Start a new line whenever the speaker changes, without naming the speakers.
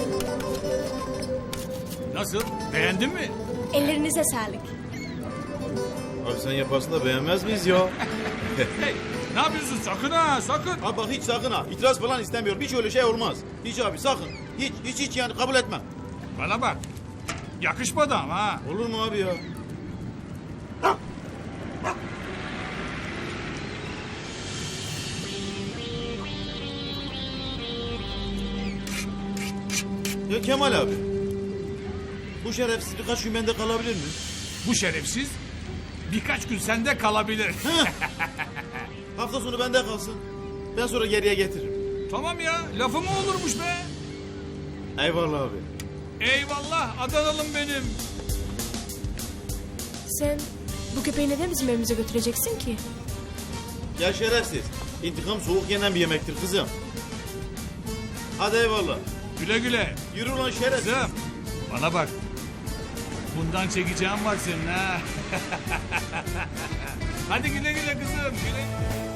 Nasıl? Beğendin mi?
Ellerinize sağlık.
Abi sen yaparsın da beğenmez miyiz ya?
Hey, ne yapıyorsun? Sakın ha, sakın.
Abi bak hiç sakın ha. İtiraz falan istemiyorum. Hiç öyle şey olmaz. Hiç abi sakın. Hiç yani kabul etmem.
Bana bak. Yakışmadı ama ha.
Olur mu abi ya? Ya Kemal abi. Bu şerefsiz birkaç gün bende kalabilir mi?
Bu şerefsiz birkaç gün sende kalabilir.
Hafta sonu bende kalsın. Ben sonra geriye getiririm.
Tamam ya, lafı mı olurmuş be?
Eyvallah abi.
Eyvallah, Adanalım benim.
Sen bu köpeği neden bizim evimize götüreceksin ki?
Ya şerefsiz. İntikam soğuk yenen bir yemektir kızım. Hadi eyvallah.
Güle güle.
Yürü ulan şerefsiz.
Kızım, bana bak. Bundan çekeceğim var senin ha. Hadi güle güle kızım. Güle.